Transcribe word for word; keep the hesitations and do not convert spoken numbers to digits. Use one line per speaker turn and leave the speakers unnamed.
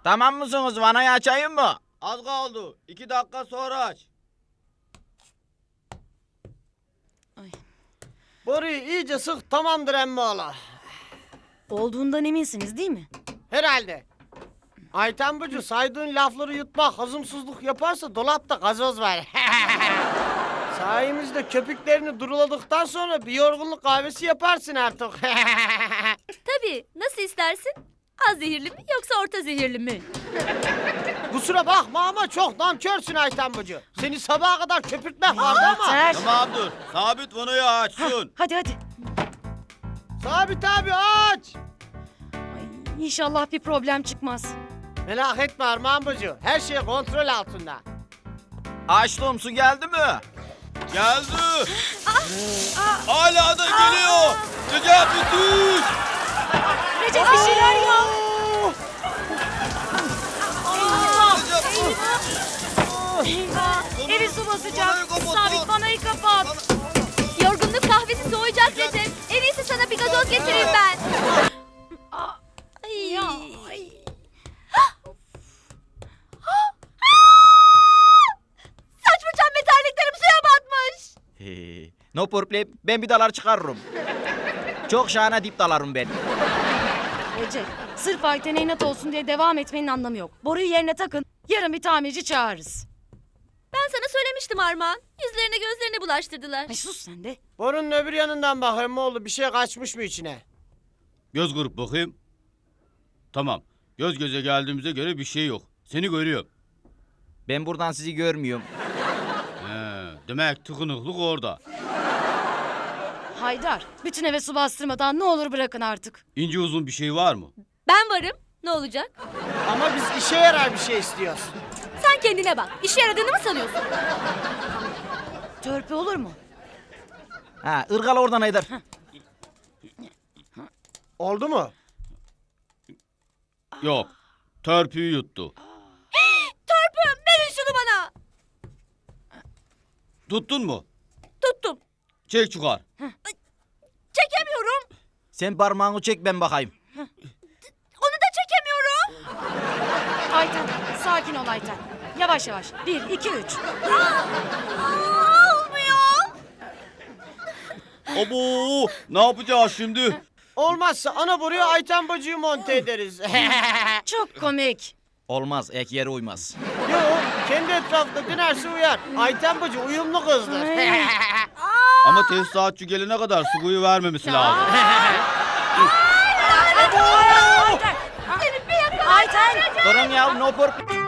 Tamam mısınız? Vanayı açayım mı?
Az kaldı. İki dakika sonra aç.
Ay.
Boruyu iyice sık, tamamdır emmoğlu.
Olduğundan eminsiniz değil mi?
Herhalde. Ayten Bacı, saydığın lafları yutmak hazımsızlık yaparsa dolapta gazoz var. Sayemizde köpüklerini duruladıktan sonra bir yorgunluk kahvesi yaparsın artık.
Tabii. Nasıl istersin? Az zehirli mi yoksa orta zehirli mi?
Kusura bakma ama çok namkörsün Ayten Bacı. Seni sabaha kadar köpürtmek vardı ama.
Yeter.
Tamamdır. Sabit vanayı açsın.
Hadi hadi.
Sabit abi aç.
Ay, İnşallah bir problem çıkmaz.
Merak etme Armağan Bacı. Her şey kontrol altında.
Açtım, su geldi mi?
Geldi. Hala da geliyor. Necati düş.
Recep bir şeyler yap. Eyvah. Evi su basacak.
Vanayı kapat,
Sabit
lan.
vanayı kapat.
Yorgunluk kahvesi soğuyacak Recep. En iyisi sana bir gazoz getireyim ben. Ay.
Ya, ay.
Saç fırçam ve terliklerim suya batmış.
He, no problem. Ben bir dalar çıkarırım. Çok şahane dip dalarım ben.
Recep, sırf Ayten'e inat olsun diye devam etmenin anlamı yok. Boruyu yerine takın. Yarın bir tamirci çağırırız.
Ben sana söylemiştim Armağan. Yüzlerine gözlerine bulaştırdılar.
Ay sus sen de.
Borunun öbür yanından bak emmoğlu, bir şey kaçmış mı içine?
Göz grup bakayım. Tamam. Göz göze geldiğimize göre bir şey yok. Seni görüyorum.
Ben buradan sizi görmüyorum.
He, demek tıkınıklık orada.
Haydar, bütün eve su bastırmadan ne olur bırakın artık.
İnce uzun bir şey var mı?
Ben varım. Ne olacak?
Ama biz işe yarar bir şey istiyoruz.
Sen kendine bak. İşe yaradığını mı sanıyorsun?
Törpü olur mu?
Ha, ırgala oradan Haydar.
Oldu mu?
Yok. Törpüyü yuttu.
Törpüm verin şunu bana.
Tuttun mu?
Tuttum.
Çek çıkar.
Çekemiyorum.
Sen parmağını çek, ben bakayım.
Onu da çekemiyorum.
Ayten, sakin ol Ayten. Yavaş yavaş. Bir, iki, üç.
Aa, olmuyor.
Abo! Ne yapacağız şimdi?
Olmazsa ana boruya Ayten Bacı'yı monte ederiz.
Çok komik.
Olmaz, ek yere uymaz.
Yo, kendi etrafında dönerse uyar. Ayten Bacı uyumlu kızdır.
Ay.
Ama tesisatçı gelene kadar suyu vermemesi lazım.
Ayten. Ayten.
Durun ya, no problem.